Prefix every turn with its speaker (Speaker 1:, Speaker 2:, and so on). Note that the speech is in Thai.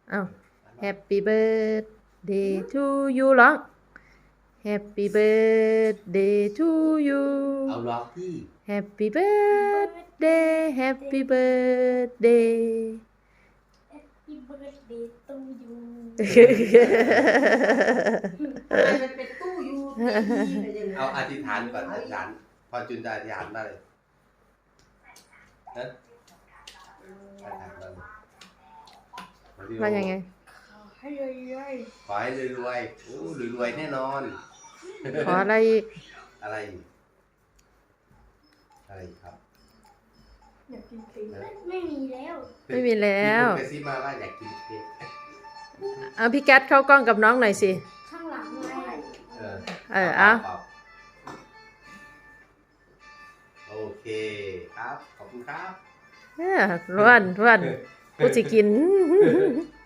Speaker 1: อ้าว Happy birthday to you ร้อง Happy birthday to you
Speaker 2: เอาร้องที่
Speaker 1: Happy birthday Happy birthday
Speaker 3: Happy birthday to you
Speaker 4: ทำไมมันเป็นตู้ยูทีอะไรอย่างเงี้ย
Speaker 2: เอาอธิษฐานก่อนอธิษฐานพอจุนจะอธิษฐานมาเลยนะอธิษฐานมาเลย
Speaker 1: ว่ายังไง
Speaker 3: ให้เลย
Speaker 2: ขอให้รวยๆโอ้รวยๆแน่นอน
Speaker 1: ขออะไรอีก
Speaker 2: อะไรอีกอะไรอีกครับ
Speaker 3: อยากกินตีไม่มีแล้ว
Speaker 1: ไม่มีแล้ว
Speaker 2: มีคนกระซิบมาว่าอยากกินเค้ก
Speaker 1: เอาพี่แก๊สเข้ากล้องกับน้องหน่อยสิ
Speaker 3: ข้างหลังไง
Speaker 1: เอา
Speaker 2: โอเคครับขอบคุณครับ
Speaker 1: ร่วนกูสิกิน